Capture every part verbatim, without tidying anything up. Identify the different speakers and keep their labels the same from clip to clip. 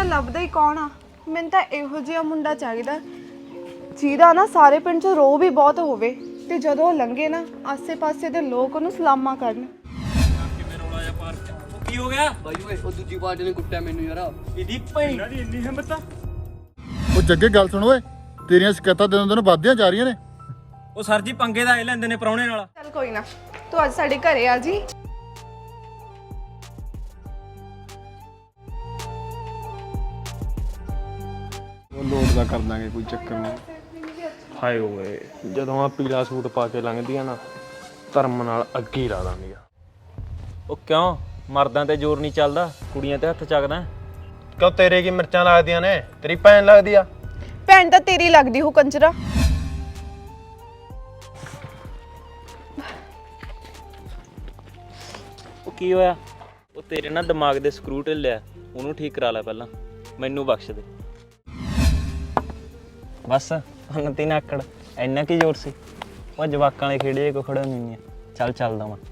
Speaker 1: ਲੱਭਦਾ ਹੀ ਕੌਣ ਆ। ਮੈਨੂੰ ਤਾਂ ਇਹੋ ਜਿਹਾ ਮੁੰਡਾ ਚਾਹੀਦਾ ਜਿਹਦਾ ਨਾ ਸਾਰੇ ਪਿੰਡ 'ਚ ਰੋਹ ਵੀ ਬਹੁਤ ਹੋਵੇ ਤੇ ਜਦੋਂ ਉਹ ਲੰਘੇ ਨਾ ਆਸੇ-ਪਾਸੇ ਦੇ ਲੋਕ ਉਹਨੂੰ ਸਲਾਮਾਂ ਕਰਨ।
Speaker 2: ਕਿਵੇਂ ਰੌਲਾ ਜਿਹਾ ਪਾਰ ਕੀ ਹੋ ਗਿਆ
Speaker 3: ਬਾਈ ਓਏ ਉਹ ਦੂਜੀ ਪਾਰਟੀ ਨੇ ਕੁੱਟਿਆ ਮੈਨੂੰ ਯਾਰ।
Speaker 2: ਇਹਦੀ ਭੈਣ ਦੀ ਇੰਨੀ ਹਿੰਮਤ ਆ।
Speaker 4: ਉਹ ਜੱਗੇ ਗੱਲ ਸੁਣ ਓਏ, ਤੇਰੀਆਂ ਸ਼ਿਕਾਇਤਾਂ ਦਿਨੋਂ ਦਿਨ ਵੱਧਦੀਆਂ ਜਾ ਰਹੀਆਂ ਨੇ।
Speaker 2: ਉਹ ਸਰ ਜੀ ਪੰਗੇ ਦਾ ਇਹ ਲੈਂਦੇ ਨੇ ਪ੍ਰਾਹੁਣੇ ਨਾਲ।
Speaker 1: ਚੱਲ ਕੋਈ ਨਾ, ਤੂੰ ਅੱਜ ਸਾਡੇ ਘਰੇ ਆ ਜੀ।
Speaker 5: ਉਹ ਲੋਡ ਦਾ ਕਰ ਦਾਂਗੇ, ਕੋਈ ਚੱਕਰ ਨਹੀਂ।
Speaker 6: ਹਾਏ ਓਏ ਜਦੋਂ ਆ ਪੀਲਾ ਸੂਟ ਪਾ ਕੇ ਲੰਘਦੀਆਂ ਨਾ ਧਰਮ ਨਾਲ ਅੱਗੇ ਹੀ ਲਾ ਦਾਂਗੇ।
Speaker 2: ਉਹ ਕਿਉਂ ਮਰਦਾਂ ਤੇ ਜ਼ੋਰ ਨਹੀਂ ਚੱਲਦਾ, ਕੁੜੀਆਂ ਤੇ ਹੱਥ ਚੱਕਦਾ।
Speaker 6: ਕਿਉਂ ਤੇਰੇ ਕੀ ਮਿਰਚਾਂ ਲੱਗਦੀਆਂ ਨੇ? ਤੇਰੀ ਭੈਣ ਲੱਗਦੀ ਆ।
Speaker 1: ਭੈਣ ਤਾਂ ਤੇਰੀ ਲੱਗਦੀ ਹੋ ਕੰਜਰਾ।
Speaker 2: ਉਹ ਕੀ ਹੋਇਆ? ਉਹ ਤੇਰੇ ਨਾਲ ਦਿਮਾਗ ਦੇ ਸਕਰੂ ਢਿੱਲਿਆ, ਉਹਨੂੰ ਠੀਕ ਕਰਾ ਲੈ ਪਹਿਲਾਂ, ਮੈਨੂੰ ਬਖਸ਼ ਦੇ। ਬਸ ਹਨਤੀ ਨਾਕੜ ਇੰਨਾ ਕੀ ਜ਼ੋਰ ਸੀ? ਉਹ ਜਵਾਕਾਂ ਵਾਲੇ ਖੇੜੇ ਕੋ ਖੜਾ ਨਹੀਂ ਹੈ। ਚੱਲ ਚੱਲਦਾ ਮੈਂ।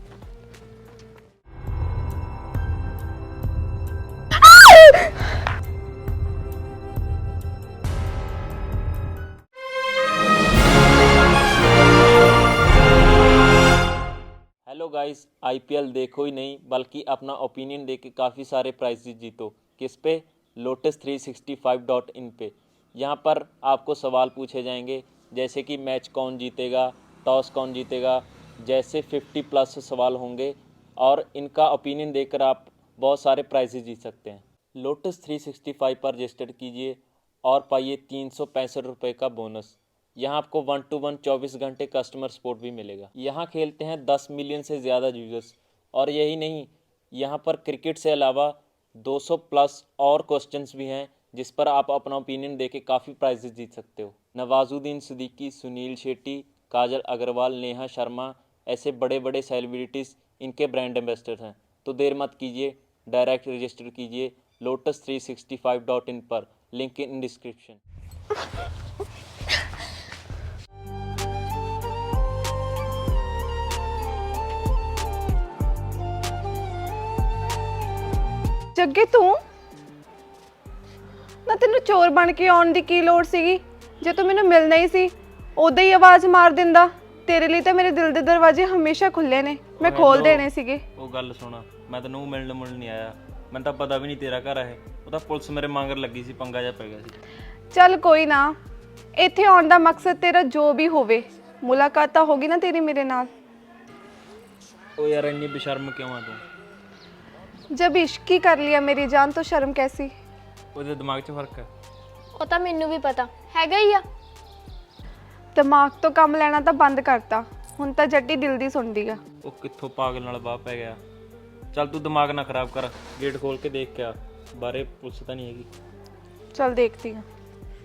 Speaker 2: हेलो गाइस, आईपीएल देखो ही नहीं बल्कि अपना ओपिनियन दे के काफ़ी सारे प्राइजेज जीतो। किस पे? Lotus three sixty five dot in पे। यहाँ पर आपको सवाल पूछे जाएंगे जैसे कि मैच कौन जीतेगा, टॉस कौन जीतेगा, जैसे फिफ्टी प्लस सवाल होंगे और इनका ओपिनियन देकर आप बहुत सारे प्राइजेज जीत सकते हैं। लोटस थ्री सिक्सटी फाइव पर रजिस्टर कीजिए और पाइए तीन सौ पैंसठ रुपये का बोनस। यहाँ आपको वन टू वन चौबीस घंटे कस्टमर सपोर्ट भी मिलेगा। यहाँ खेलते हैं दस मिलियन से ज़्यादा यूजर्स। और यही नहीं, यहाँ पर क्रिकेट से अलावा दो सौ प्लस और क्वेश्चंस भी हैं जिस पर आप अपना ओपिनियन देके काफ़ी प्राइजेस जीत सकते हो। नवाजुद्दीन सिद्दीकी, सुनील शेट्टी, काजल अग्रवाल, नेहा शर्मा, ऐसे बड़े बड़े सेलिब्रिटीज़ इनके ब्रांड एम्बेसडर हैं। तो देर मत कीजिए, डायरेक्ट रजिस्टर कीजिए Lotus three sixty five dot in पर, लिंक इन डिस्क्रिप्शन।
Speaker 1: ਜੱਗੇ ਤੂੰ ਨਾ, ਤੈਨੂੰ ਚੋਰ ਬਣ ਕੇ ਆਉਣ ਦੀ ਕੀ ਲੋੜ ਸੀਗੀ? ਜੇ ਤੂੰ ਮੈਨੂੰ ਮਿਲਣਾ ਹੀ ਸੀ ਉਦੋਂ ਹੀ ਆਵਾਜ਼ ਮਾਰ ਦਿੰਦਾ। ਤੇਰੇ ਲਈ ਤਾਂ ਮੇਰੇ ਦਿਲ ਦੇ ਦਰਵਾਜ਼ੇ ਹਮੇਸ਼ਾ ਖੁੱਲੇ ਨੇ, ਮੈਂ ਖੋਲ ਦੇਣੇ ਸੀਗੇ।
Speaker 2: ਉਹ ਗੱਲ ਸੁਣਾ, ਮੈਂ ਤੈਨੂੰ ਮਿਲਣ ਮੁਲਣ ਨਹੀਂ ਆਇਆ, ਮੈਨੂੰ ਤਾਂ ਪਤਾ ਵੀ ਨਹੀਂ ਤੇਰਾ ਘਰ ਹੈ। ਉਹ ਤਾਂ ਪੁਲਿਸ ਮੇਰੇ ਮੰਗਰ ਲੱਗੀ ਸੀ, ਪੰਗਾ ਜਿਹਾ ਪੈ ਗਿਆ ਸੀ।
Speaker 1: ਚੱਲ ਕੋਈ ਨਾ, ਇੱਥੇ ਆਉਣ ਦਾ ਮਕਸਦ ਤੇਰਾ ਜੋ ਵੀ ਹੋਵੇ, ਮੁਲਾਕਾਤ ਤਾਂ ਹੋਗੀ ਨਾ ਤੇਰੀ ਮੇਰੇ ਨਾਲ।
Speaker 2: ਉਹ ਯਾਰ ਇੰਨੀ ਬੇਸ਼ਰਮ ਕਿਉਂ ਆ ਤੂੰ?
Speaker 1: जब इश्क ही कर लिया मेरी जान तो शर्म कैसी?
Speaker 2: ਉਹਦੇ ਦਿਮਾਗ 'ਚ ਫਰਕ ਹੈ।
Speaker 7: ਉਹ ਤਾਂ ਮੈਨੂੰ ਵੀ ਪਤਾ ਹੈਗਾ ਹੀ ਆ।
Speaker 1: ਦਿਮਾਗ ਤੋਂ ਕੰਮ ਲੈਣਾ ਤਾਂ ਬੰਦ ਕਰਤਾ, ਹੁਣ ਤਾਂ ਜੱਟੀ ਦਿਲ ਦੀ ਸੁਣਦੀ ਆ।
Speaker 2: ਉਹ ਕਿੱਥੋਂ ਪਾਗਲ ਨਾਲ ਬਾਹ ਪੈ ਗਿਆ। ਚੱਲ ਤੂੰ ਦਿਮਾਗ ਨਾ ਖਰਾਬ ਕਰ, ਗੇਟ ਖੋਲ ਕੇ ਦੇਖ ਕੇ ਆ, ਬਾਰੇ ਪੁਲਿਸ ਤਾਂ ਨਹੀਂ ਹੈਗੀ।
Speaker 1: चल देखती हूँ।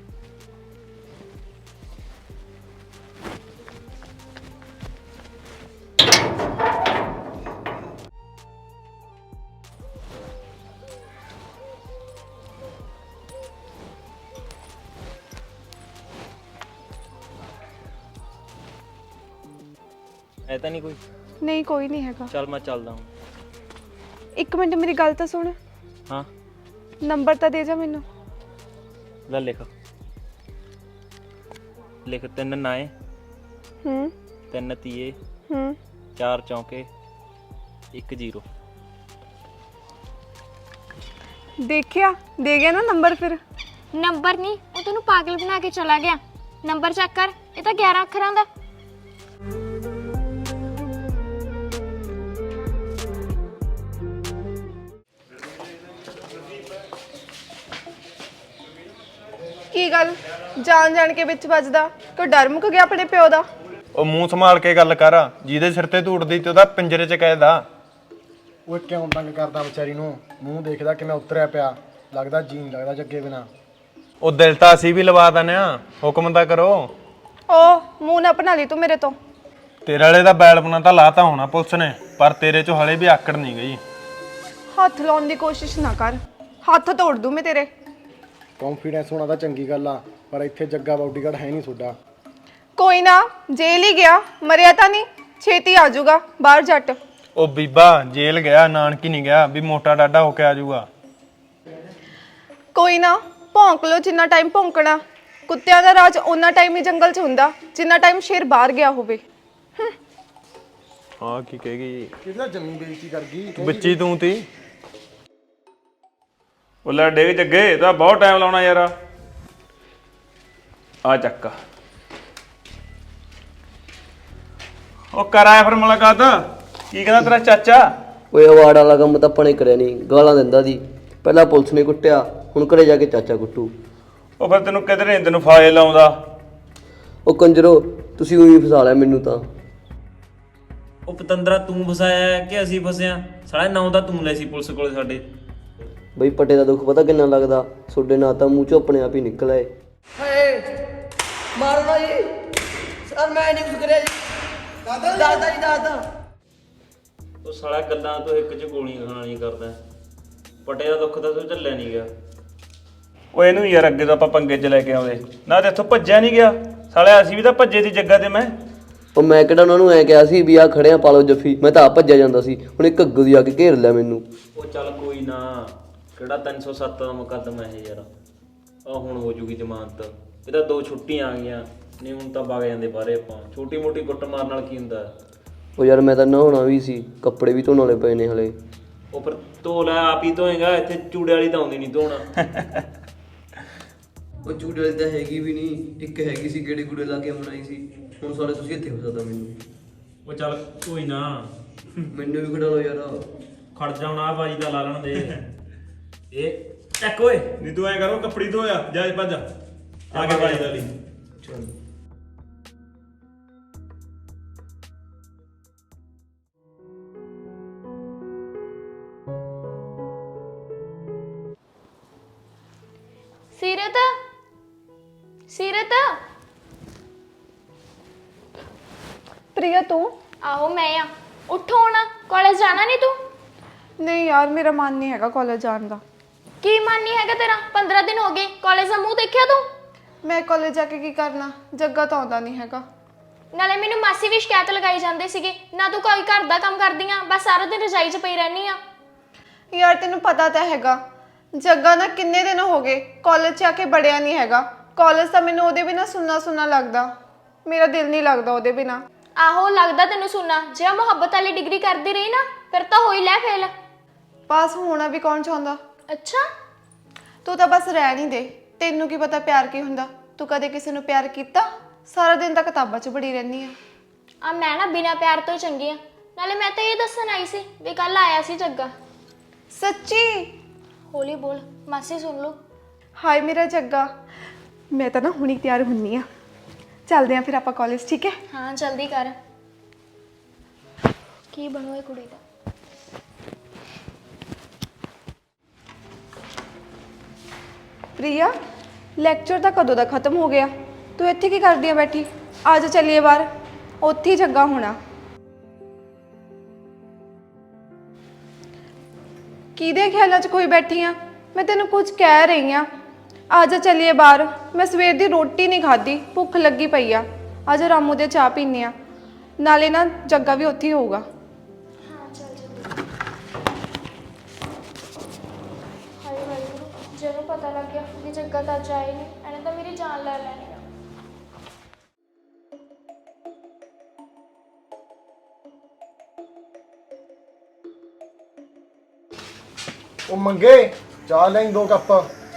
Speaker 2: ਹੈ ਤਾਂ ਨਹੀਂ ਕੋਈ?
Speaker 1: नहीं कोई नहीं हैगा।
Speaker 2: ਚੱਲ ਮੈਂ ਚੱਲਦਾ ਹਾਂ।
Speaker 1: एक मिनट मेरी गल तो सुन।
Speaker 2: ਹਾਂ
Speaker 1: नंबर तो दे जा मैनू।
Speaker 2: ਲੈ ਲਿਖ ਲਿਖ ਤਿੰਨ ਨਾਏ,
Speaker 1: हम्म
Speaker 2: ਤਿੰਨ ਤੀਏ,
Speaker 1: हम्म
Speaker 2: ਚਾਰ ਚੌਂਕੇ, ਇੱਕ ਜ਼ੀਰੋ।
Speaker 1: देखिया दे गया ना नंबर फिर।
Speaker 7: ਨੰਬਰ ਨਹੀਂ, ਉਹ ਤੈਨੂੰ ਪਾਗਲ ਬਣਾ ਕੇ ਚਲਾ ਗਿਆ। ਨੰਬਰ ਚੈੱਕ ਕਰ, ਇਹ ਤਾਂ ਗਿਆਰਾਂ ਅੱਖਰਾਂ ਦਾ।
Speaker 1: की गल जान जान के विच बजदा? कोई डर मुक गया अपने प्यो दा?
Speaker 6: ਉਹ ਮੂੰਹ ਸੰਭਾਲ ਕੇ ਗੱਲ ਕਰ, ਜਿਹਦੇ ਸਿਰ ਤੇ ਧੂੜਦੀ ਤੇ ਉਹਦਾ ਪਿੰਜਰੇ 'ਚ ਕੈਦ ਆ।
Speaker 5: ਓਏ ਕਿਉਂ ਤੰਗ ਕਰਦਾ ਵਿਚਾਰੀ ਨੂੰ? ਮੂੰਹ ਦੇਖਦਾ ਕਿਵੇਂ ਉਤਰਿਆ ਪਿਆ, ਲੱਗਦਾ ਜੀ ਨਹੀਂ ਲੱਗਦਾ ਜੱਗੇ ਬਿਨਾ।
Speaker 6: ਉਹ ਦਿਲ ਤਾਂ ਅਸੀਂ ਵੀ ਲਵਾ ਦਿੰਦੇ ਆ, ਹੁਕਮ ਤਾਂ ਕਰੋ।
Speaker 1: ओ मुंह ना बना ली तू मेरे तो।
Speaker 6: ਤੇਰੇ ਵਾਲੇ ਦਾ ਬੈਲਪਨਾ ਤਾਂ ਲਾਤਾ ਹੋਣਾ ਪੁਲਿਸ ਨੇ, ਪਰ ਤੇਰੇ 'ਚੋਂ ਹਲੇ ਵੀ ਆਕੜ ਨਹੀਂ ਗਈ।
Speaker 1: हथ लाने की कोशिश ना कर, हथ तोड़ दूं मैं तेरे।
Speaker 5: ਕੌਨਫੀਡੈਂਸ ਹੋਣਾ ਤਾਂ ਚੰਗੀ ਗੱਲ ਆ, ਪਰ ਇੱਥੇ ਜੱਗਾ ਬਾਡੀਗਾਰਡ ਹੈ ਨਹੀਂ ਤੁਹਾਡਾ।
Speaker 1: कोई ना, जेल ही गया, मरिया तो नहीं, छेती आ जाऊगा बाहर जट।
Speaker 6: ਉਹ ਬੀਬਾ ਜੇਲ੍ਹ ਗਿਆ, ਨਾਨਕੀ ਨਹੀਂ ਗਿਆ ਵੀ ਮੋਟਾ ਡਾਡਾ ਹੋ ਕੇ ਆ ਜਾਊਗਾ।
Speaker 1: ਕੋਈ ਨਾ ਭੌਂਕ ਲਓ ਜਿੰਨਾ ਟਾਈਮ ਭੌਂਕਣਾ। ਕੁੱਤਿਆਂ ਦਾ ਰਾਜ ਓਨਾ ਟਾਈਮ ਹੀ ਜੰਗਲ 'ਚ ਹੁੰਦਾ ਜਿੰਨਾ ਟਾਈਮ ਸ਼ੇਰ ਬਾਹਰ ਗਿਆ ਹੋਵੇ।
Speaker 6: ਹਾਂ ਕੀ ਕਹੇਗੀ
Speaker 5: ਕਿਹਦਾ ਜਮੀ ਬੇਇੱਜ਼ਤੀ ਕਰ ਗਈ
Speaker 6: ਬੱਚੀ ਤੂੰ ਤੀ। ਉਹ ਲੈ ਡੇਗ ਜੱਗੇ ਤਾਂ ਬਹੁਤ ਟਾਈਮ ਲਾਉਣਾ ਯਾਰ। ਆ ਚੱਕ ਉਹ ਕਰ ਆਇਆ ਫਿਰ ਮੁਲਾਕਾਤ। ਕੀ ਕਹਿੰਦਾ ਤੇਰਾ ਚਾਚਾ?
Speaker 3: ਓਏ ਅਵਾਰਡ ਵਾਲਾ ਕੰਮ ਤਾਂ ਆਪਾਂ ਨੇ ਕਰਿਆ ਨਹੀਂ, ਗਾਲਾਂ ਦਿੰਦਾ ਸੀ। ਪਹਿਲਾਂ ਪੁਲਿਸ ਨੇ ਕੁੱਟਿਆ, ਹੁਣ ਘਰੇ ਜਾ ਕੇ ਚਾਚਾ ਕੁੱਟੂ।
Speaker 6: ਉਹ ਫਿਰ ਤੈਨੂੰ ਕਿਧਰੇ ਨਹੀਂ ਤੈਨੂੰ ਫਾਇਲ ਲਾਉਂਦਾ।
Speaker 3: ਉਹ ਕੰਜਰੋ, ਤੁਸੀਂ ਉਹੀ ਫਸਾ ਲਿਆ ਮੈਨੂੰ ਤਾਂ।
Speaker 2: ਉਹ ਪਤੰਦਰਾ ਤੂੰ ਫਸਾਇਆ ਹੈ ਕਿ ਅਸੀਂ ਫਸਿਆ? ਸਾਲਾ ਨਾਂ ਤਾਂ ਤੂੰ ਲੈ ਸੀ ਪੁਲਿਸ ਕੋਲੇ ਸਾਡੇ।
Speaker 3: ਬਈ ਪੱਟੇ ਦਾ ਦੁੱਖ ਪਤਾ ਕਿੰਨਾ ਲੱਗਦਾ, ਤੁਹਾਡੇ ਨਾਂ ਤਾਂ ਮੂੰਹ ਚੋਂ ਆਪਣੇ ਆਪ ਹੀ ਨਿਕਲ ਆਏ।
Speaker 8: ਮਾਰਨਾ ਜੀ ਸਰ, ਮੈਂ ਨਹੀਂ ਕੁਝ ਕਰਿਆ ਜੀ। ਦਾਦਾ ਦਾਦਾ ਜੀ ਦਾਦਾ।
Speaker 2: ਉਹ ਸਾਲਾ ਗੱਲਾਂ ਤੋਂ ਇੱਕ ਚ ਗੋਲੀਆਂ ਖਾਣ ਵਾਲੀ ਕਰਦਾ। ਪਟੇ ਦਾ ਦੁੱਖ ਤਾਂ ਤੂੰ ਝੱਲਿਆ ਨਹੀਂ ਗਿਆ।
Speaker 6: ਉਹ ਇਹਨੂੰ ਯਾਰ ਅੱਗੇ ਤੋਂ ਆਪਾਂ ਪੰਗੇ 'ਚ ਲੈ ਕੇ ਆਉਂਦੇ ਨਾ, ਤੇ ਇੱਥੋਂ ਭੱਜਿਆ ਨਹੀਂ ਗਿਆ। ਸਾਲਿਆ ਅਸੀਂ ਵੀ ਤਾਂ ਭੱਜੇ ਸੀ ਜੱਗਾ ਤੇ ਮੈਂ।
Speaker 3: ਉਹ ਮੈਂ ਕਿਹੜਾ ਉਹਨਾਂ ਨੂੰ ਐ ਕਿਹਾ ਸੀ ਵੀ ਆ ਖੜਿਆ ਪਾ ਲਓ ਜੱਫੀ, ਮੈਂ ਤਾਂ ਆਪ ਭੱਜਿਆ ਜਾਂਦਾ ਸੀ। ਹੁਣ ਇੱਕ ਅੱਗੂ ਦੀ ਆ ਕੇ ਘੇਰ ਲਿਆ ਮੈਨੂੰ।
Speaker 2: ਉਹ ਚੱਲ ਕੋਈ ਨਾ, ਕਿਹੜਾ ਤਿੰਨ ਸੌ ਸੱਤ ਦਾ ਮੁਕੱਦਮਾ ਇਹ ਯਾਰ। ਆ ਹੁਣ ਹੋ ਜੂਗੀ ਜ਼ਮਾਨਤ। ਇਹ ਤਾਂ ਦੋ ਛੁੱਟੀਆਂ ਆ ਗਈਆਂ, ਨਹੀਂ ਹੁਣ ਤਾਂ ਵਗ ਜਾਂਦੇ ਬਾਹਰੇ ਆਪਾਂ। ਛੋਟੀ ਮੋਟੀ ਕੁੱਟ ਮਾਰ ਨਾਲ ਕੀ ਹੁੰਦਾ।
Speaker 3: ਉਹ ਯਾਰ ਮੈਂ ਤਾਂ ਨਹਾਉਣਾ ਵੀ ਸੀ, ਕੱਪੜੇ ਵੀ ਧੋਣ ਵਾਲੇ ਪਏ ਨੇ ਹਲੇ।
Speaker 2: ਉਹ ਫਿਰ ਧੋ ਲੈ, ਆਪ ਹੀ ਧੋਏਗਾ। ਇੱਥੇ ਚੂੜੇ ਵਾਲੀ ਤਾਂ ਆਉਂਦੀ ਨਹੀਂ ਧੋਣਾ।
Speaker 3: ਉਹ ਚੂੜੇ ਵਾਲੀ ਤਾਂ ਹੈਗੀ ਵੀ ਨਹੀਂ, ਇੱਕ ਹੈਗੀ ਸੀ ਗੇੜੇ ਗੂੜੇ ਲਾ ਕੇ ਬਣਾਈ ਸੀ। ਹੁਣ ਸਾਰੇ ਤੁਸੀਂ ਇੱਥੇ ਫਸਾਦਾ ਮੈਨੂੰ।
Speaker 2: ਉਹ ਚੱਲ ਕੋਈ ਨਾ,
Speaker 3: ਮੈਨੂੰ ਵੀ ਖੜਾ ਲਓ ਯਾਰ।
Speaker 2: ਖੜ ਜਾ ਹੁਣ, ਆ ਬਾਜੀ ਦਾ ਲਾ ਲੈਣ ਦੇ। ਇਹ ਚੱਕ ਓਏ।
Speaker 6: ਨਹੀਂ ਤੂੰ ਐ ਕਰੋ ਕੱਪੜੀ ਧੋਇਆ ਜਾ ਭੱਜ ਆ ਕੇ ਬਾਈ ਦਾ ਲਈ।
Speaker 3: ਚਲ
Speaker 7: ਸੀਰਤ, ਸੀਰਤ।
Speaker 1: ਪ੍ਰਿਆ ਤੂੰ?
Speaker 7: ਆਹੋ ਮੈਂ ਆ। ਉੱਠੋ ਹੁਣ, ਕਾਲਜ ਜਾਣਾ ਨਹੀਂ ਤੂੰ?
Speaker 1: ਨਹੀਂ ਯਾਰ ਮੇਰਾ ਮਨ ਨਹੀਂ ਹੈਗਾ ਕਾਲਜ ਜਾਣ ਦਾ।
Speaker 7: ਕੀ ਮਨ ਨਹੀਂ ਹੈਗਾ ਤੇਰਾ? ਪੰਦਰਾਂ ਦਿਨ ਹੋ ਗਏ, ਕਾਲਜ ਦਾ ਮੂੰਹ ਦੇਖਿਆ ਤੂੰ?
Speaker 1: ਮੈਂ ਕਾਲਜ ਜਾ ਕੇ ਕੀ ਕਰਨਾ, ਜੱਗਾ ਤਾਂ ਆਉਂਦਾ ਨਹੀਂ ਹੈਗਾ।
Speaker 7: ਨਾਲੇ ਮੈਨੂੰ ਮਾਸੀ ਵੀ ਸ਼ਿਕਾਇਤ ਲਗਾਈ ਜਾਂਦੇ ਸੀਗੇ, ਨਾ ਤੂੰ ਕੋਈ ਘਰ ਦਾ ਕੰਮ ਕਰਦੀ ਆ, ਬਸ ਸਾਰਾ ਦਿਨ ਰਜਾਈ 'ਚ ਪਈ ਰਹਿਨੀ ਆ।
Speaker 1: ਯਾਰ ਤੈਨੂੰ ਪਤਾ ਤਾਂ ਹੈਗਾ ਜੱਗਾ ਨਾ ਕਿੰਨੇ ਦਿਨ ਹੋ ਗਏ ਕਾਲਜ 'ਚ ਆ ਕੇ ਬੜਿਆ ਨਹੀਂ ਹੈਗਾ। ਕਾਲਜ ਤਾਂ ਮੈਨੂੰ ਉਹਦੇ ਬਿਨਾਂ ਸੁੰਨਾ ਸੁੰਨਾ ਲੱਗਦਾ, ਮੇਰਾ ਦਿਲ ਨਹੀਂ ਲੱਗਦਾ ਉਹਦੇ ਬਿਨਾਂ।
Speaker 7: ਆਹੋ ਲੱਗਦਾ ਤੈਨੂੰ ਸੁਣਨਾ। ਜੇ ਮੁਹੱਬਤ ਵਾਲੀ ਡਿਗਰੀ ਕਰਦੀ ਰਹੀ ਨਾ, ਫਿਰ ਤਾਂ ਹੋਈ ਲੈ ਫੇਲ।
Speaker 1: ਪਾਸ ਹੋਣਾ ਵੀ ਕੌਣ ਚਾਹੁੰਦਾ?
Speaker 7: ਅੱਛਾ,
Speaker 1: ਤੂੰ ਤਾਂ ਬਸ ਰਹਿ ਨਹੀਂ ਦੇ। ਤੈਨੂੰ ਕੀ ਪਤਾ ਪਿਆਰ ਕੀ ਹੁੰਦਾ? ਤੂੰ ਕਦੇ ਕਿਸੇ ਨੂੰ ਪਿਆਰ ਕੀਤਾ? ਸਾਰਾ ਦਿਨ ਤਾਂ ਕਿਤਾਬਾਂ 'ਚ ਬੜੀ ਰਹਿੰਦੀ ਆ।
Speaker 7: ਆ ਮੈਂ ਨਾ ਬਿਨਾਂ ਪਿਆਰ ਤੋਂ ਹੀ ਚੰਗੀ ਆ। ਨਾਲੇ ਮੈਂ ਤਾਂ ਇਹ ਦੱਸਣ ਆਈ ਸੀ ਵੀ ਕੱਲ ਆਇਆ ਸੀ ਜੱਗਾ।
Speaker 1: ਸੱਚੀ?
Speaker 7: ਹੌਲੀ ਬੋਲ, ਮਾਸੀ ਸੁਣ ਲਓ।
Speaker 1: ਹਾਏ ਮੇਰਾ ਜੱਗਾ, ਮੈਂ ਤਾਂ ਨਾ ਹੁਣੀ ਤਿਆਰ ਹੁੰਨੀ ਆ। ਚੱਲਦੇ ਆ ਫਿਰ ਆਪਾਂ ਕਾਲਜ, ਠੀਕ ਹੈ?
Speaker 7: ਹਾਂ ਜਲਦੀ ਕਰ। ਕੀ ਬਣੂ ਇਹ ਕੁੜੀ ਦਾ?
Speaker 1: ਪ੍ਰਿਆ, ਲੈਕਚਰ ਤਾਂ ਕਦੋਂ ਦਾ ਖਤਮ ਹੋ ਗਿਆ? ਤੂੰ ਇੱਥੇ ਕੀ ਕਰਦੀ ਆ ਬੈਠੀ? ਆ ਜਾ ਚੱਲੀਏ ਬਾਹਰ, ਉੱਥੇ ਹੀ ਜੱਗਾ ਹੋਣਾ। ਕਿਹਦੇ ਖਿਆਲਾਂ 'ਚ ਕੋਈ ਬੈਠੀ ਆ? ਮੈਂ ਤੈਨੂੰ ਕੁਝ ਕਹਿ ਰਹੀ ਆ। ਆ ਜਾ ਚੱਲੀਏ ਬਾਹਰ। ਮੈਂ ਸਵੇਰ ਦੀ ਰੋਟੀ ਨਹੀਂ ਖਾਧੀ, ਭੁੱਖ ਲੱਗੀ ਪਈ ਆ। ਆ ਜਾ ਰਾਮੂ ਦੇ ਚਾਹ ਪੀਂਦੇ ਆ, ਨਾਲੇ ਨਾ ਜੱਗਾ ਵੀ ਉੱਥੇ ਹੀ ਹੋਊਗਾ।
Speaker 7: ਹਾਂ ਚੱਲ ਜਲਦੀ। ਹਾਏ ਵਾਹਿਗੁਰੂ, ਜਦੋਂ ਪਤਾ ਲੱਗ ਗਿਆ ਕਿ ਜੱਗਾ ਤਾਂ ਅੱਜ ਆਏ ਨਹੀਂ, ਇਹਨੇ ਤਾਂ ਮੇਰੀ ਜਾਨ ਲੈ ਲੈਣੀ ਆ।
Speaker 5: ਉਹ ਮੰਗੇ ਚਾਹ ਲੈਂ ਦੋ ਕੱਪ।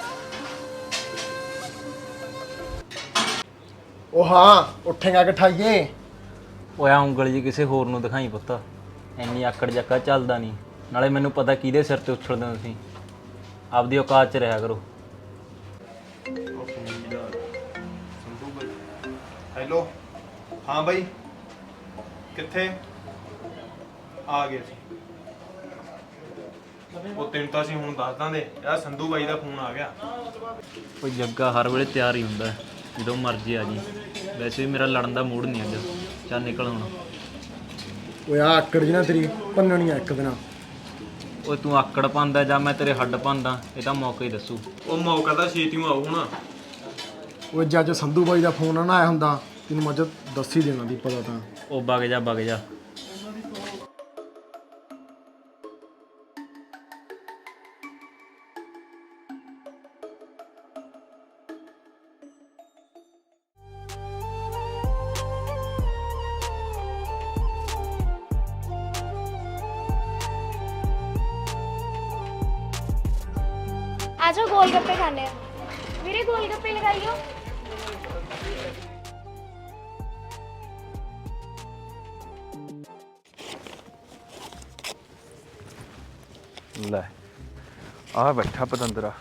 Speaker 5: ਉਹ ਹਾਂ ਉੱਠੇਗਾ ਕਿਠਾਈਏ।
Speaker 2: ਓਏ ਆ ਉਂਗਲ ਜੀ ਕਿਸੇ ਹੋਰ ਨੂੰ ਦਿਖਾਈ ਪੁੱਤ, ਇੰਨੀ ਆਕੜ ਜੱਕਾ ਚੱਲਦਾ ਨਹੀਂ। ਨਾਲੇ ਮੈਨੂੰ ਪਤਾ ਕਿਹਦੇ ਸਿਰ ਤੇ ਉਛਲਦੇ ਹੋ ਤੁਸੀਂ। ਆਪਦੀ ਔਕਾਤ 'ਚ ਰਿਹਾ ਕਰੋ।
Speaker 6: ਹੈਲੋ ਹਾਂ ਬਾਈ ਕਿੱਥੇ ਆ ਗਏ ਸੀ? ਉਹ ਤੈਨੂੰ ਤਾਂ ਅਸੀਂ ਹੁਣ ਦੱਸ ਦਾਂਦੇ ਯਾਰ, ਸੰਧੂ ਬਾਈ ਦਾ ਫੋਨ ਆ ਗਿਆ।
Speaker 2: ਕੋਈ ਜੱਗਾ ਹਰ ਵੇਲੇ ਤਿਆਰ ਹੀ ਹੁੰਦਾ, ਜਦੋਂ ਮਰਜ਼ੀ ਆ ਜੀ। ਵੈਸੇ ਵੀ ਮੇਰਾ ਲੜਨ ਦਾ ਮੂਡ ਨਹੀਂ ਅੱਜ। ਚੱਲ ਨਿਕਲ ਹੁਣ।
Speaker 5: ਓਏ ਆ ਆਕੜ ਜੀ ਨਾ ਤੇਰੀ ਭੰਨਣੀ ਆ ਇੱਕ ਦਿਨ।
Speaker 2: ਓਏ ਤੂੰ ਆਕੜ ਪਾਉਂਦਾ ਜਾਂ ਮੈਂ ਤੇਰੇ ਹੱਡ ਪਾਉਂਦਾ, ਇਹ ਤਾਂ ਮੌਕਾ ਹੀ ਦੱਸੂ।
Speaker 6: ਉਹ ਮੌਕਾ ਤਾਂ ਛੇਤੀ ਆਉ ਹੁਣ।
Speaker 5: ਓਏ ਜੇ ਅੱਜ ਸੰਧੂ ਬਾਈ ਦਾ ਫੋਨ ਨਾ ਆਇਆ ਹੁੰਦਾ ਤੈਨੂੰ ਮੈਂ ਅੱਜ ਦੱਸ ਹੀ ਦੇਣਾ ਦੀ ਪਤਾ ਤਾਂ।
Speaker 2: ਉਹ ਵਗ ਜਾ ਵਗ ਜਾ।
Speaker 7: ਆ ਜਾਓ ਗੋਲ ਗੱਪੇ ਖਾਣੇ ਆ। ਵੀਰੇ ਗੋਲ ਗੱਪੇ ਲਗਾਈਓ।
Speaker 6: ਲੈ ਆ ਬੈਠਾ ਪਤੰਦਰਾ।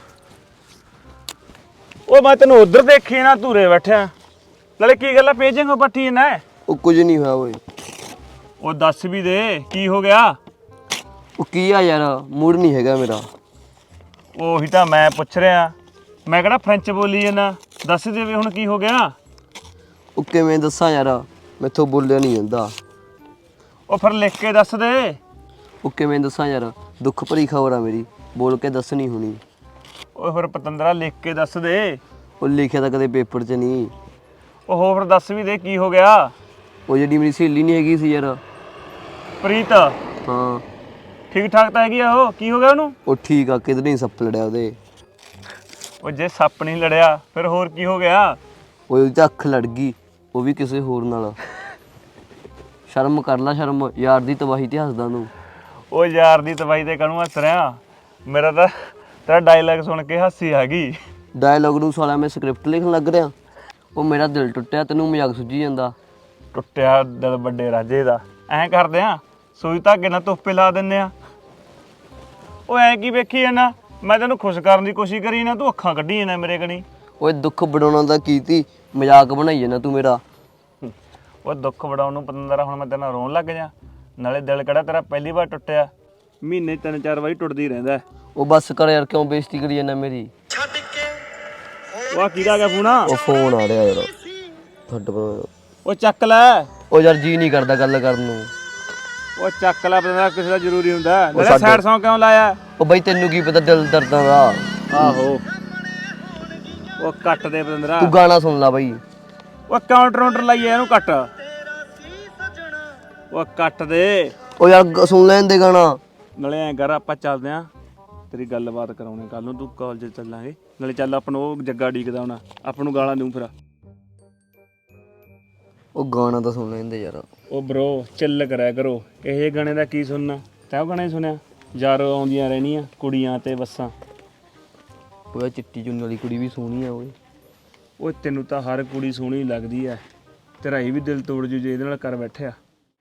Speaker 6: ਓਏ ਮੈਂ ਤੈਨੂੰ ਉਧਰ ਦੇਖੀ ਨਾ ਧੂਰੇ ਬੈਠਿਆ। ਨਾਲੇ ਕੀ ਗੱਲ ਆ ਪੇਜਿੰਗ ਪੱਠੀ ਨਾ?
Speaker 3: ਉਹ ਕੁਝ ਨਹੀਂ ਹੋਇਆ ਓਏ।
Speaker 6: ਉਹ ਦੱਸ ਵੀ ਦੇ ਕੀ ਹੋ ਗਿਆ?
Speaker 3: ਉਹ ਕੀ ਆ ਯਾਰ, ਮੂਡ ਨਹੀਂ ਹੈਗਾ ਮੇਰਾ।
Speaker 6: ਉਹੀ ਤਾਂ ਮੈਂ ਪੁੱਛ ਰਿਹਾ। ਮੈਂ ਕਿਹੜਾ ਫ੍ਰੈਂਚ ਬੋਲੀ ਜਾਂਦਾ, ਦੱਸ ਦੇ ਵੀ ਹੁਣ ਕੀ ਹੋ ਗਿਆ?
Speaker 3: ਉਹ ਕਿਵੇਂ ਦੱਸਾਂ ਯਾਰ, ਮੈਥੋਂ ਬੋਲਿਆ ਨਹੀਂ ਜਾਂਦਾ।
Speaker 6: ਉਹ ਫਿਰ ਲਿਖ ਕੇ ਦੱਸ ਦੇ।
Speaker 3: ਉਹ ਕਿਵੇਂ ਦੱਸਾਂ ਯਾਰ, ਦੁੱਖ ਭਰੀ ਖਬਰ ਆ ਮੇਰੀ, ਬੋਲ ਕੇ ਦੱਸਣੀ ਹੋਣੀ।
Speaker 6: ਓਏ ਫਿਰ ਪਤੰਦਰਾ ਲਿਖ ਕੇ ਦੱਸ ਦੇ।
Speaker 3: ਉਹ ਲਿਖਿਆ ਤਾਂ ਕਦੇ ਪੇਪਰ 'ਚ ਨਹੀਂ।
Speaker 6: ਉਹ ਹੋ ਫਿਰ ਦੱਸ ਵੀ ਦੇ ਕੀ ਹੋ ਗਿਆ?
Speaker 3: ਉਹ ਜਿਹੜੀ ਮੇਰੀ ਸਹੇਲੀ ਨਹੀਂ ਹੈਗੀ ਸੀ ਯਾਰ।
Speaker 6: ਪ੍ਰੀਤ
Speaker 3: ਹਾਂ
Speaker 6: ਠੀਕ ਠਾਕ ਤਾਂ ਹੈਗੀ ਆ ਉਹ, ਕੀ ਹੋ ਗਿਆ ਉਹਨੂੰ?
Speaker 3: ਉਹ ਠੀਕ ਆ, ਕਿਧਰ ਨਹੀਂ ਸੱਪ ਲੜਿਆ ਉਹਦੇ।
Speaker 6: ਉਹ ਜੇ ਸੱਪ ਨਹੀਂ ਲੜਿਆ ਫਿਰ ਹੋਰ ਕੀ ਹੋ ਗਿਆ?
Speaker 3: ਉਹ ਉਹਦੀ ਤਾਂ ਅੱਖ ਲੜ ਗਈ, ਉਹ ਵੀ ਕਿਸੇ ਹੋਰ ਨਾਲ। ਸ਼ਰਮ ਕਰ ਲੈ ਸ਼ਰਮ, ਯਾਰ ਦੀ ਤਬਾਹੀ ਤੇ ਹੱਸਦਾ ਤੂੰ।
Speaker 6: ਉਹ ਯਾਰ ਦੀ ਤਬਾਹੀ ਤੇ ਕਾਹਨੂੰ ਹੱਸ ਰਿਹਾ? ਮੇਰਾ ਤਾਂ ਤੇਰਾ ਡਾਇਲੌਗ ਸੁਣ ਕੇ ਹਾਸੀ ਆ ਗਈ।
Speaker 3: ਡਾਇਲੌਗ ਨੂੰ ਸਾਲਾ ਮੈਂ ਸਕ੍ਰਿਪਟ ਲਿਖਣ ਲੱਗ ਰਿਹਾ। ਉਹ ਮੇਰਾ ਦਿਲ ਟੁੱਟਿਆ, ਤੈਨੂੰ ਮਜ਼ਾਕ ਸੁੱਝੀ ਜਾਂਦਾ।
Speaker 6: ਟੁੱਟਿਆ ਦਿਲ ਵੱਡੇ ਰਾਜੇ ਦਾ। ਐਂ ਕਰਦੇ ਆ ਸੂਈ ਧਾਗੇ ਨਾਲ ਤੋਪੇ ਲਾ ਦਿੰਦੇ ਆ। ਉਹ ਐਂ ਕੀ ਵੇਖੀ ਜਾਂਦਾ? ਮੈਂ ਤੈਨੂੰ ਖੁਸ਼ ਕਰਨ ਦੀ ਕੋਸ਼ਿਸ਼ ਕਰੀ ਨਾ, ਤੂੰ ਅੱਖਾਂ ਕੱਢੀ ਜਾਂਦਾ ਮੇਰੇ ਕਣੀ।
Speaker 3: ਓਏ ਦੁੱਖ ਵਡਾਉਣਾ ਦਾ ਕੀਤੀ, ਮਜ਼ਾਕ ਬਣਾਈ ਜਾਂਦਾ ਤੂੰ ਮੇਰਾ।
Speaker 6: ਉਹ ਦੁੱਖ ਵਡਾਉਣ ਨੂੰ ਪਤੰਦਰਾ ਹੁਣ ਮੈਂ ਤੇਰੇ ਨਾਲ ਰੋਣ ਲੱਗ ਜਾ? ਨਾਲੇ ਦਿਲ ਕਿਹੜਾ ਤੇਰਾ ਪਹਿਲੀ ਵਾਰ ਟੁੱਟਿਆ, ਮਹੀਨੇ ਤਿੰਨ ਚਾਰ ਵਾਰੀ ਟੁੱਟਦੀ ਰਹਿੰਦਾ।
Speaker 3: ਉਹ ਬੱਸ ਕਰ ਯਾਰ, ਕਿਉਂ ਬੇਇੱਜ਼ਤੀ ਕਰੀ ਜਾਂਦਾ ਮੇਰੀ?
Speaker 6: ਉਹ ਕਿਹਦਾ ਆ ਗਿਆ ਫੋਨ?
Speaker 3: ਉਹ ਫੋਨ ਆ ਰਿਹਾ ਯਾਰ ਤੁਹਾਡੇ ਕੋਲ।
Speaker 6: ਉਹ ਚੱਕ ਲੈ।
Speaker 3: ਉਹ ਯਾਰ ਜੀ ਨਹੀਂ ਕਰਦਾ ਗੱਲ ਕਰਨ ਨੂੰ।
Speaker 6: ਉਹ ਚੱਕ ਲੈ ਪਤੰਦਰਾ, ਕਿਸੇ ਦਾ ਜ਼ਰੂਰੀ ਹੁੰਦਾ। ਨਾਲੇ
Speaker 3: ਸਾਡੇ-
Speaker 6: ਸਾਈਡ ਸੌਂਗ ਕਿਉਂ ਲਾਇਆ?
Speaker 3: ਉਹ ਬਈ ਤੈਨੂੰ ਕੀ ਪਤਾ ਦਿਲ ਦਰਦਾਂ ਦਾ।
Speaker 6: ਆਹੋ ਉਹ ਕੱਟ ਦੇ ਪਤੰਦਰਾ।
Speaker 3: ਤੂੰ ਗਾਣਾ ਸੁਣ ਲੈ ਬਈ।
Speaker 6: ਉਹ ਕਾਊਂਟਰ ਕਾਊਂਟਰ ਲਾਈਏ ਇਹਨੂੰ, ਕੱਟ। ਉਹ ਕੱਟ ਦੇ।
Speaker 3: ਉਹ ਯਾਰ ਗ- ਸੁਣ ਲੈਣ ਦੇ ਗਾਣਾ।
Speaker 6: ਨਾਲੇ ਐਂ ਕਰ, ਆਪਾਂ ਚੱਲਦੇ ਆਂ, ਤੇਰੀ ਗੱਲਬਾਤ ਕਰਾਉਣੇ ਕੱਲ ਨੂੰ। ਤੂੰ ਕਾਲਜ ਚੱਲਾਂਗੇ, ਨਾਲੇ ਚੱਲ ਆਪਾਂ ਨੂੰ ਉਹ ਜੱਗਾ ਡੀਕਦਾ ਹੋਣਾ, ਆਪਾਂ ਨੂੰ ਗਾਲਾਂ ਦੂੰ ਫਿਰ।
Speaker 3: ਉਹ ਗਾਣਾ ਤਾਂ ਸੁਣ ਲੈਣ ਦੇ ਯਾਰ।
Speaker 6: ਉਹ ਬ్రో ਚੱਲ ਕਰਿਆ ਕਰੋ, ਇਹ ਗਾਣੇ ਦਾ ਕੀ ਸੁਣਨਾ? ਤੈਂ ਉਹ ਗਾਣੇ ਸੁਣਿਆ? ਯਾਰੋ ਆਉਂਦੀਆਂ ਰਹਿਣੀਆਂ ਕੁੜੀਆਂ ਤੇ ਬੱਸਾਂ।
Speaker 3: ਉਹ ਚਿੱਟੀ ਚੁੰਨੀ ਵਾਲੀ ਕੁੜੀ ਵੀ ਸੋਹਣੀ ਆ ਓਏ।
Speaker 6: ਉਹ ਤੈਨੂੰ ਤਾਂ ਹਰ ਕੁੜੀ ਸੋਹਣੀ ਲੱਗਦੀ ਐ, ਤੇਰਾ ਇਹ ਵੀ ਦਿਲ ਤੋੜ ਜੂ ਜੇ ਇਹਦੇ ਨਾਲ ਕਰ ਬੈਠਿਆ।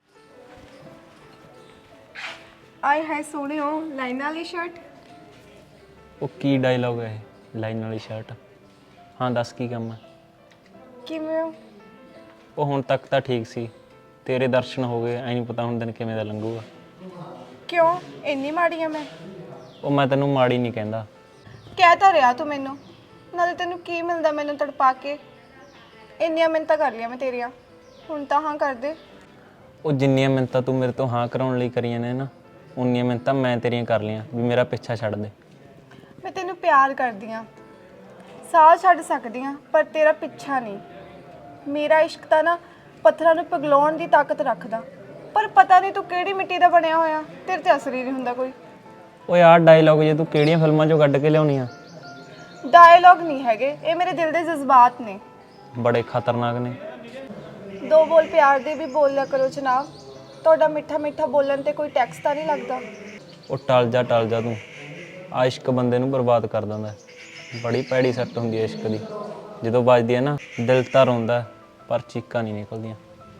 Speaker 1: ਆਏ ਹਾਏ ਸੋਹਣਿਓ, ਲਾਈਨਾਂ ਵਾਲੀ ਸ਼ਰਟ।
Speaker 2: ਉਹ ਕੀ ਡਾਇਲੌਗ ਹੈ ਇਹ, ਲਾਈਨ ਵਾਲੀ ਸ਼ਰਟ? ਹਾਂ ਦੱਸ ਕੀ ਕੰਮ ਹੈ?
Speaker 1: ਕਿਵੇਂ ਹੋ?
Speaker 2: ਉਹ ਹੁਣ ਤੱਕ ਤਾਂ ਠੀਕ ਸੀ, ਤੇਰੇ ਦਰਸ਼ਨ ਹੋ ਗਏ, ਐ ਨਹੀਂ ਪਤਾ ਹੁਣ ਦਿਨ ਕਿਵੇਂ ਦਾ ਲੰਘੂਗਾ।
Speaker 1: ਕਿਉਂ ਇੰਨੀ ਮਾੜੀ ਆ ਮੈਂ?
Speaker 2: ਉਹ ਮੈਂ ਤੈਨੂੰ ਮਾੜੀ ਨਹੀਂ ਕਹਿੰਦਾ।
Speaker 1: ਕਹਿ ਤਾਂ ਰਿਹਾ ਤੂੰ ਮੈਨੂੰ, ਨਾਲੇ ਤੈਨੂੰ ਕੀ ਮਿਲਦਾ ਮੈਨੂੰ ਤੜਪਾ ਕੇ? ਇੰਨੀਆਂ ਮਿੰਨਤਾਂ ਕਰ ਲਿਆ ਮੈਂ ਤੇਰੀਆਂ, ਹੁਣ ਤਾਂ ਹਾਂ ਕਰ ਦੇ।
Speaker 2: ਉਹ ਜਿੰਨੀਆਂ ਮਿੰਨਤਾਂ ਤੂੰ ਮੇਰੇ ਤੋਂ ਹਾਂ ਕਰਾਉਣ ਲਈ ਕਰੀਆਂ ਨੇ ਨਾ, ਉਨੀਆਂ ਮਿੰਨਤਾਂ ਮੈਂ ਤੇਰੀਆਂ ਕਰ ਲਈਆਂ ਵੀ ਮੇਰਾ ਪਿੱਛਾ ਛੱਡ ਦੇ।
Speaker 1: ਮੈਂ ਤੈਨੂੰ ਪਿਆਰ ਕਰਦੀ ਆ, ਸਾਹ ਛੱਡ ਸਕਦੀ ਆ, ਪਰ ਤੇਰਾ ਪਿੱਛਾ ਨਹੀਂ। ਮੇਰਾ ਇਸ਼ਕ ਤਾਂ ਨਾ ਪੱਥਰਾਂ ਨੂੰ ਪਿਘਲਾਉਣ ਦੀ ਤਾਕਤ ਰੱਖਦਾ, ਪਰ ਪਤਾ ਨਹੀਂ ਤੂੰ ਕਿਹੜੀ ਮਿੱਟੀ ਦਾ ਬਣਿਆ ਹੋਇਆ, ਤੇਰੇ ਤੇ ਅਸਰ ਹੀ ਨਹੀਂ ਹੁੰਦਾ ਕੋਈ।
Speaker 2: ਓਏ ਆਹ ਡਾਇਲੌਗ ਜੇ ਤੂੰ ਕਿਹੜੀਆਂ ਫਿਲਮਾਂ 'ਚੋਂ ਕੱਢ ਕੇ ਲਿਆਉਣੀ ਆ?
Speaker 1: ਡਾਇਲੌਗ ਨਹੀਂ ਹੈਗੇ, ਇਹ ਮੇਰੇ ਦਿਲ ਦੇ ਜਜ਼ਬਾਤ ਨੇ,
Speaker 2: ਬੜੇ ਖਤਰਨਾਕ ਨੇ।
Speaker 1: ਦੋ ਬੋਲ ਪਿਆਰ ਦੇ ਵੀ ਬੋਲ ਲਿਆ ਕਰੋ ਜਨਾਬ। ਤੁਹਾਡਾ ਮਿੱਠਾ ਮਿੱਠਾ ਬੋਲਣ ਤੇ ਕੋਈ ਟੈਕਸ ਤਾਂ ਨਹੀਂ ਲੱਗਦਾ।
Speaker 2: ਉਹ ਟਲ ਜਾ ਟਲ ਜਾ ਤੂੰ, ਆ ਇਸ਼ਕ ਬੰਦੇ ਨੂੰ ਬਰਬਾਦ ਕਰ ਦਿੰਦਾ। ਬੜੀ ਭੈੜੀ ਸੱਟ ਹੁੰਦੀ ਹੈ ਇਸ਼ਕ ਦੀ, ਜਦੋਂ ਵੱਜਦੀ ਹੈ ਨਾ ਦਿਲ ਤਾਂ ਰੋਂਦਾ ਪਰ ਚੀਕਾਂ ਨਹੀਂ ਨਿਕਲਦੀਆਂ।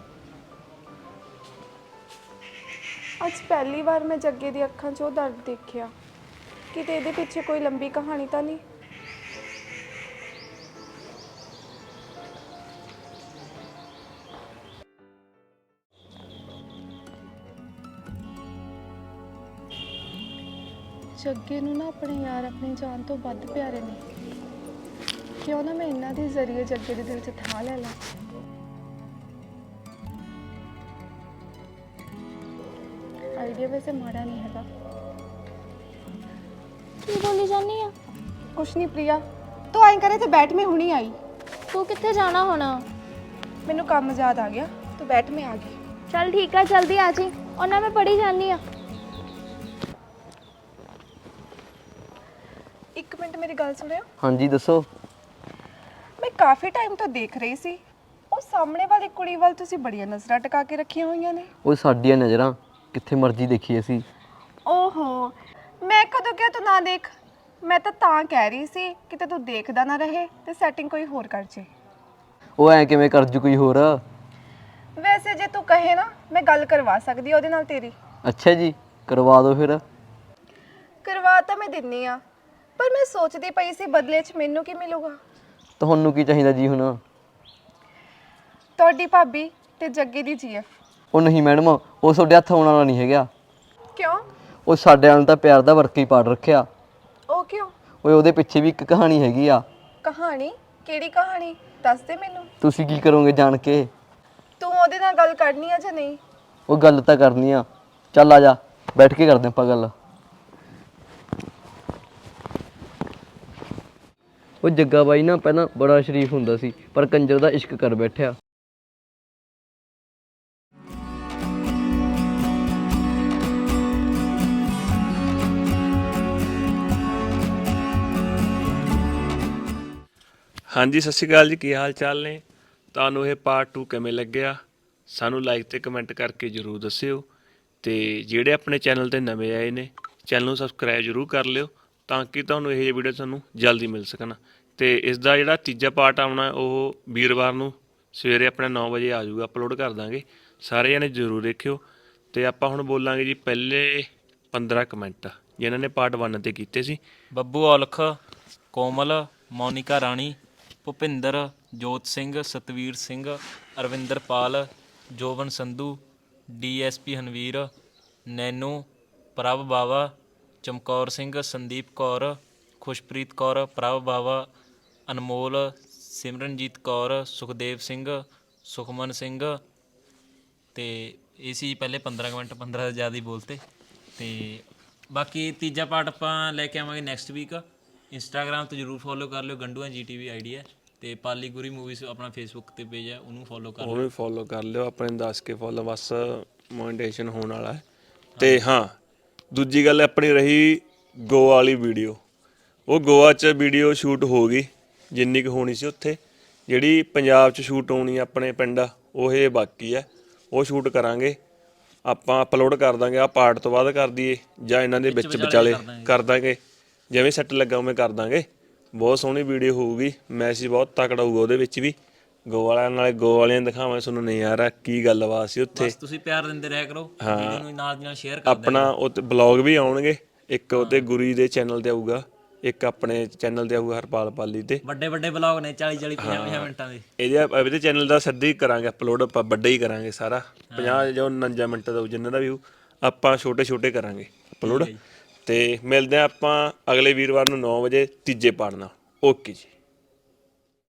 Speaker 1: ਅੱਜ ਪਹਿਲੀ ਵਾਰ ਮੈਂ ਜੱਗੇ ਦੀ ਅੱਖਾਂ 'ਚ ਉਹ ਦਰਦ ਦੇਖਿਆ, ਕਿਤੇ ਇਹਦੇ ਪਿੱਛੇ ਕੋਈ ਲੰਬੀ ਕਹਾਣੀ ਤਾਂ ਨਹੀਂ। ਜੱਗੇ ਨੂੰ ਨਾ ਆਪਣੇ ਯਾਰ ਆਪਣੀ ਜਾਨ ਤੋਂ ਵੱਧ ਪਿਆਰੇ ਨੇ, ਕਿਉਂ ਨਾ ਮੈਂ ਇਹਨਾਂ ਦੇ ਜ਼ਰੀਏ ਜੱਗੇ ਦੇ ਦਿਲ 'ਚ ਥਾਂ ਲੈ ਲਾਂ। ਆਈਡੀਆ ਵੈਸੇ ਮਾੜਾ ਨਹੀਂ ਹੈਗਾ।
Speaker 7: ਕੀ ਬੋਲੀ ਜਾਨੀ ਆ?
Speaker 1: ਕੁਛ ਨਹੀਂ ਪ੍ਰਿਆ, ਤੂੰ ਆਈ ਕਰੇ ਤੇ ਬੈਠ, ਮੈਂ ਹੁਣੀ ਆਈ।
Speaker 7: ਤੂੰ ਕਿੱਥੇ ਜਾਣਾ ਹੁਣ?
Speaker 1: ਮੈਨੂੰ ਕੰਮ ਯਾਦ ਆ ਗਿਆ, ਤੂੰ ਬੈਠ, ਮੈਂ ਆ ਗਈ।
Speaker 7: ਚੱਲ ਠੀਕ ਆ, ਜਲਦੀ ਆ ਜੀ, ਉਹਨਾਂ ਮੈਂ ਪੜੀ ਜਾਨੀ ਆ।
Speaker 1: ਇੱਕ ਮਿੰਟ ਮੇਰੀ ਗੱਲ ਸੁਣਿਓ।
Speaker 3: ਹਾਂਜੀ ਦੱਸੋ।
Speaker 1: ਮੈਂ ਕਾਫੀ ਟਾਈਮ ਤੋਂ ਦੇਖ ਰਹੀ ਸੀ, ਉਹ ਸਾਹਮਣੇ ਵਾਲੀ ਕੁੜੀ ਵੱਲ ਤੁਸੀਂ ਬੜੀਆਂ ਨਜ਼ਰਾਂ ਟਿਕਾ ਕੇ ਰੱਖੀਆਂ ਹੋਈਆਂ ਨੇ।
Speaker 3: ਉਹ ਸਾਡੀਆਂ ਨਜ਼ਰਾਂ ਕਿੱਥੇ ਮਰਜ਼ੀ ਦੇਖੀ ਅਸੀਂ।
Speaker 1: ਓਹੋ, ਮੈਂ ਕਦੋਂ ਕਿਹਾ ਤੂੰ ਨਾ ਦੇਖ? ਮੈਂ ਤਾਂ ਤਾਂ ਕਹਿ ਰਹੀ ਸੀ ਕਿ ਤੇ ਤੂੰ ਦੇਖਦਾ ਨਾ ਰਹੇ ਤੇ ਸੈਟਿੰਗ ਕੋਈ ਹੋਰ ਕਰ ਜੇ।
Speaker 3: ਉਹ ਐ ਕਿਵੇਂ ਕਰ ਜੂ ਕੋਈ ਹੋਰ?
Speaker 1: ਵੈਸੇ ਜੇ ਤੂੰ ਕਹੇ ਨਾ ਮੈਂ ਗੱਲ ਕਰਵਾ ਸਕਦੀ ਉਹਦੇ ਨਾਲ ਤੇਰੀ।
Speaker 3: ਅੱਛਾ ਜੀ, ਕਰਵਾ ਦਿਓ ਫਿਰ।
Speaker 1: ਕਰਵਾ ਤਾਂ ਮੈਂ ਦਿੰਨੀ ਆ, ਪਰ ਮੈਂ ਸੋਚਦੀ ਪਈ ਸੀ ਬਦਲੇ 'ਚ ਮੈਨੂੰ ਕੀ ਮਿਲੂਗਾ।
Speaker 3: ਤੁਹਾਨੂੰ ਕੀ ਚਾਹੀਦਾ ਜੀ ਹੁਣ?
Speaker 1: ਤੁਹਾਡੀ ਭਾਬੀ ਤੇ ਜੱਗੇ ਦੀ ਜੀਐਫ।
Speaker 3: ਉਹ ਨਹੀਂ ਮੈਡਮ, ਉਹ ਤੁਹਾਡੇ ਹੱਥ ਆਉਣ ਵਾਲਾ ਨਹੀਂ ਹੈਗਾ।
Speaker 1: ਕਿਉਂ?
Speaker 3: ਉਹ ਸਾਡੇ ਨਾਲ ਤਾਂ ਪਿਆਰ ਦਾ ਵਰਕ ਹੀ ਪਾੜ ਰੱਖਿਆ।
Speaker 1: ਉਹ ਕਿਉਂ?
Speaker 3: ਓਏ ਉਹਦੇ ਪਿੱਛੇ ਵੀ ਇੱਕ ਕਹਾਣੀ ਹੈਗੀ ਆ।
Speaker 1: ਕਹਾਣੀ? ਕਿਹੜੀ ਕਹਾਣੀ? ਦੱਸ ਦੇ ਮੈਨੂੰ।
Speaker 3: ਤੁਸੀਂ ਕੀ ਕਰੋਗੇ ਜਾਣ ਕੇ?
Speaker 1: ਤੂੰ ਉਹਦੇ ਨਾਲ ਗੱਲ ਕਰਨੀ ਆ ਜਾਂ ਨਹੀਂ?
Speaker 3: ਉਹ ਗੱਲ ਤਾਂ ਕਰਨੀ ਆ। ਚੱਲ ਆ ਜਾ, ਬੈਠ ਕੇ ਕਰਦੇ ਆਪਾਂ ਗੱਲ। ਉਹ ਜੱਗਾ ਬਾਈ ਨਾ ਪਹਿਲਾਂ ਬੜਾ ਸ਼ਰੀਫ ਹੁੰਦਾ ਸੀ, ਪਰ ਕੰਜਰ ਦਾ ਇਸ਼ਕ ਕਰ ਬੈਠਿਆ।
Speaker 9: ਹਾਂਜੀ, ਸਤਿ ਸ਼੍ਰੀ ਅਕਾਲ ਜੀ। ਕੀ ਹਾਲ ਚਾਲ ਨੇ? ਤੁਹਾਨੂੰ ਇਹ ਪਾਰਟ ਟੂ ਕਿਵੇਂ ਲੱਗਿਆ? ਸਾਨੂੰ ਲਾਈਕ ਤੇ ਕਮੈਂਟ ਕਰਕੇ ਜ਼ਰੂਰ ਦੱਸਿਓ। ਤੇ ਜਿਹੜੇ ਆਪਣੇ ਚੈਨਲ ਤੇ ਨਵੇਂ ਆਏ ਨੇ, ਚੈਨਲ ਨੂੰ ਸਬਸਕ੍ਰਾਈਬ ਜ਼ਰੂਰ ਕਰ ਲਿਓ ਤਾਂ ਕਿ ਤੁਹਾਨੂੰ ਇਹ ਜਿਹੇ ਵੀਡੀਓ ਤੁਹਾਨੂੰ ਜਲਦੀ ਮਿਲ ਸਕਣ। ਤੇ ਇਸ ਦਾ ਜਿਹੜਾ ਤੀਜਾ ਪਾਰਟ ਆਉਣਾ ਉਹ ਵੀਰਵਾਰ ਨੂੰ ਸਵੇਰੇ ਆਪਣੇ ਨੌ ਵਜੇ ਆ ਜਾਊਗਾ, ਅਪਲੋਡ ਕਰ ਦਾਂਗੇ। ਸਾਰੇ ਜਣੇ ਜ਼ਰੂਰ ਦੇਖਿਓ। ਤੇ ਆਪਾਂ ਹੁਣ ਬੋਲਾਂਗੇ ਜੀ ਪਹਿਲੇ ਪੰਦਰਾਂ ਕਮੈਂਟ ਜਿਨ੍ਹਾਂ ਨੇ ਪਾਰਟ ਵਨ ਤੇ ਕੀਤੇ ਸੀ।
Speaker 2: ਬੱਬੂ ਔਲਖ, ਕੋਮਲ, ਮੋਨਿਕਾ ਰਾਣੀ, ਭੁਪਿੰਦਰ, ਜੋਤ ਸਿੰਘ, ਸਤਵੀਰ ਸਿੰਘ, ਅਰਵਿੰਦਰ ਪਾਲ, ਜੋਬਨ ਸੰਧੂ, ਡੀਐਸਪੀ ਹਨਵੀਰ, ਨੈਨੂ, ਪ੍ਰਭ ਬਾਵਾ, ਚਮਕੌਰ ਸਿੰਘ, ਸੰਦੀਪ ਕੌਰ, ਖੁਸ਼ਪ੍ਰੀਤ ਕੌਰ, ਪ੍ਰਭ ਬਾਵਾ, ਅਨਮੋਲ, ਸਿਮਰਨਜੀਤ ਕੌਰ, ਸੁਖਦੇਵ ਸਿੰਘ, ਸੁਖਮਨ ਸਿੰਘ। ਤੇ ਇਹ ਸੀ ਪਹਿਲੇ ਪੰਦਰਾਂ ਕਮੈਂਟ, ਪੰਦਰਾਂ ਤੋਂ ਜ਼ਿਆਦਾ ਹੀ ਬੋਲਤੇ। ਤੇ ਬਾਕੀ ਤੀਜਾ ਪਾਰਟ ਆਪਾਂ ਲੈ ਕੇ ਆਵਾਂਗੇ ਨੈਕਸਟ ਵੀਕ। ਇੰਸਟਾਗ੍ਰਾਮ 'ਤੇ ਜ਼ਰੂਰ ਫੋਲੋ ਕਰ ਲਿਓ, ਗੰਡੂਆਂ ਜੀ ਟੀ ਵੀ ਆਈ ਡੀ ਹੈ। ਅਤੇ ਪਾਲੀ ਗੁਰੀ ਮੂਵੀਜ਼ ਆਪਣਾ ਫੇਸਬੁੱਕ 'ਤੇ ਪੇਜ ਹੈ, ਉਹਨੂੰ ਫੋਲੋ ਕਰ ਲਿਓ।
Speaker 9: ਉਹਨੂੰ ਵੀ ਫੋਲੋ ਕਰ ਲਿਓ। ਆਪਣੇ ਦੱਸ ਕੇ ਫੋਲੋ, ਬਸ ਮੋਨੀਟਾਈਜੇਸ਼ਨ ਹੋਣ ਵਾਲਾ ਹੈ। ਤੇ ਹਾਂ, ਦੂਜੀ ਗੱਲ ਆਪਣੀ ਰਹੀ ਗੋਆ ਵਾਲੀ ਵੀਡੀਓ। ਉਹ ਗੋਆ 'ਚ ਵੀਡੀਓ ਸ਼ੂਟ ਹੋ ਗਈ ਜਿੰਨੀ ਕੁ ਹੋਣੀ ਸੀ ਉੱਥੇ। ਜਿਹੜੀ ਪੰਜਾਬ 'ਚ ਸ਼ੂਟ ਹੋਣੀ ਆਪਣੇ ਪਿੰਡ, ਉਹ ਇਹ ਬਾਕੀ ਹੈ। ਉਹ ਸ਼ੂਟ ਕਰਾਂਗੇ ਆਪਾਂ, ਅਪਲੋਡ ਕਰ ਦਾਂਗੇ। ਆਹ ਪਾਰਟ ਤੋਂ ਬਾਅਦ ਕਰ ਦਈਏ ਜਾਂ ਇਹਨਾਂ ਦੇ ਵਿੱਚ ਵਿਚਾਲੇ ਕਰ ਦਾਂਗੇ, ਜਿਵੇਂ ਸੈੱਟ ਲੱਗਾ ਉਵੇਂ ਕਰ ਦਾਂਗੇ। ਬਹੁਤ ਸੋਹਣੀ ਵੀਡੀਓ ਹੋਊਗੀ, ਮੈਸੇਜ ਬਹੁਤ ਤਕੜਾ ਹੋਊਗਾ ਉਹਦੇ ਵਿੱਚ ਵੀ। ਗੋਆ ਵਾਲਿਆਂ ਨਾਲੇ ਗੋਆ ਵਾਲਿਆਂ ਦਿਖਾਵਾਂ ਤੁਹਾਨੂੰ ਨਜ਼ਾਰਾ, ਕੀ ਗੱਲਬਾਤ ਸੀ ਉੱਥੇ।
Speaker 2: ਤੁਸੀਂ ਪਿਆਰ ਦਿੰਦੇ ਰਿਹਾ ਕਰੋ, ਵੀਡੀਓ ਨੂੰ ਨਾਲ ਦੀ ਨਾਲ ਸ਼ੇਅਰ ਕਰ ਦਿਆ
Speaker 9: ਆਪਣਾ ਉਹ ਬਲੌਗ ਵੀ ਆਉਣਗੇ, ਇੱਕ ਉਹਤੇ ਗੁਰੀ ਦੇ ਚੈਨਲ ਤੇ ਆਊਗਾ, ਇੱਕ ਆਪਣੇ ਚੈਨਲ ਤੇ ਆਊਗਾ ਹਰਪਾਲ ਪਾਲੀ ਤੇ।
Speaker 2: ਵੱਡੇ ਵੱਡੇ ਬਲੌਗ ਨੇ ਚਾਲੀ ਚਾਲੀ ਪੰਜਾਹ ਪੰਜਾਹ ਮਿੰਟਾਂ ਦੇ।
Speaker 9: ਇਹਦੇ ਇਹਦੇ ਚੈਨਲ ਦਾ ਸਿੱਧਾ ਹੀ ਕਰਾਂਗੇ ਅਪਲੋਡ, ਆਪਾਂ ਵੱਡਾ ਹੀ ਕਰਾਂਗੇ ਸਾਰਾ। ਪੰਜਾਹ ਜਾਂ ਉਣੰਜਾ ਮਿੰਟ ਦਾ ਜਿੰਨਾਂ ਦਾ ਵੀ ਆਪਾਂ ਛੋਟੇ ਛੋਟੇ ਕਰਾਂਗੇ ਅਪਲੋਡ। ਤੇ ਮਿਲਦੇ ਹਾਂ ਆਪਾਂ ਅਗਲੇ ਵੀਰਵਾਰ ਨੂੰ ਨੌ ਵਜੇ ਤੀਜੇ ਪਾਰਟ ਨਾਲ। ਓਕੇ ਜੀ।